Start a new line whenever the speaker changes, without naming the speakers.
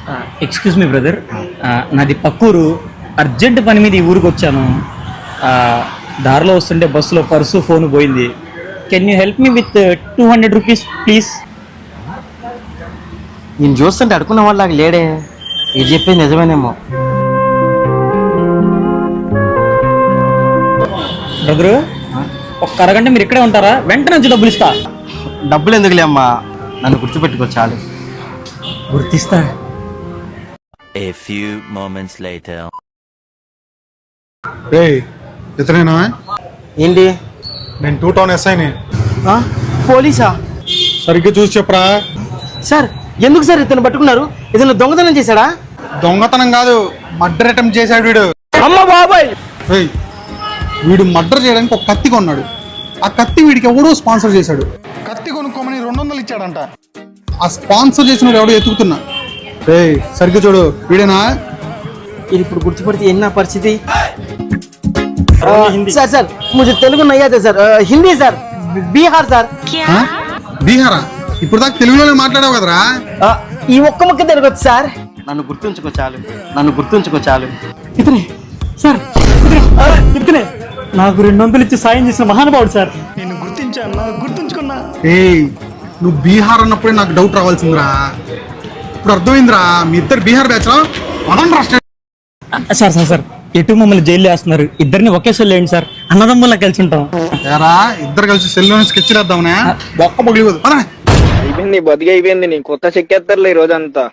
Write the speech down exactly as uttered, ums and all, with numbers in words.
Excuse me brother, నాది పక్కూరు. Urgent పని మీద ఈ ఊరికి వచ్చాను. ఆ, దారిలో వస్తుంటే బస్సులో పర్సు ఫోన్ పోయింది. Can you help me with two hundred rupees please?
నేను చూస్తుంటే అడుకున్న వాళ్ళకి లేడే. ఇది చెప్పేది నిజమేనేమో.
బ్రదరు, ఒక్క అరగంట మీరు ఇక్కడే ఉంటారా? వెంటనే వచ్చి డబ్బులు ఇస్తా.
డబ్బులు ఎందుకులే అమ్మా, నన్ను గుర్తుపెట్టుకో చాలు.
గుర్తిస్తా.
A few moments later.
రేయ్, ఇతనేనా?
ఏంటి?
నేను టూ టౌన్ ఎస్ఐని.
ఆ? పోలీసా?
సరిగ్గా చూసి చెప్పరా.
సార్ ఎందుకు సార్ ఇతను పట్టుకున్నారు? ఇతను దొంగతనం చేశాడా?
దొంగతనం కాదు, మర్డర్ అటెంప్ట్ చేశాడు వీడు.
అమ్మ బాబాయ్!
రేయ్, వీడు మర్డర్ చేయడానికి ఒక కత్తి కొన్నాడు. ఆ కత్తి వీడికి ఎవడో స్పాన్సర్ చేశాడు. కత్తి కొనుక్కోమని రెండు వందలు ఇచ్చాడంట. ఆ స్పాన్సర్ చేసిన ఎవడో ఎత్తుకుతున్నా. రేయ్, సరిగ్గా చూడు, వీడేనా?
ఇది ఇప్పుడు గుర్తుపడితే ఎన్న పరిస్థితి? సార్ సార్ ముझे తెలుగు नहीं आता sir, Hindi sir, Bihar sir.
ఆ? బీహారా? ఇప్పుడు దాకా తెలుగులోనే మాట్లాడావు కదరా.
ఆ, ఈ ఒక్క ముక్క తెలుగు వచ్చు సార్. నన్ను గుర్తుంచుకో చాలు, నన్ను గుర్తుంచుకో చాలు.
ఇతనే సార్, ఇతనే నాకు రెండు వందలు ఇచ్చి సాయం చేసిన మహానుభావుడు సార్. నేను గుర్తించాను, నాకు గుర్తుంచుకున్నా.
ఏయ్, నువ్వు బీహార్ అన్నప్పుడే నాకు డౌట్ రావాల్సిందిరా. ఇప్పుడు అర్థమైందిరా, మీ ఇద్దరు బీహార్ బ్యాచ్ లో
సార్ సార్ సార్ ఎటు మమ్మల్ని జైలు వేస్తున్నారు? ఇద్దరిని ఒకేసారి లేండి సార్, అన్నదమ్ముల్లా కలిసి ఉంటాం.
ఏరా, ఇద్దరు కలిసి సెల్లోని స్కెచ్ వేద్దామనే. ఒక్క పగిలిపోదు.
అయిపోయింది, బతికి అయిపోయింది. నీ కొత్త చెక్కేస్తారులే ఈ రోజంతా.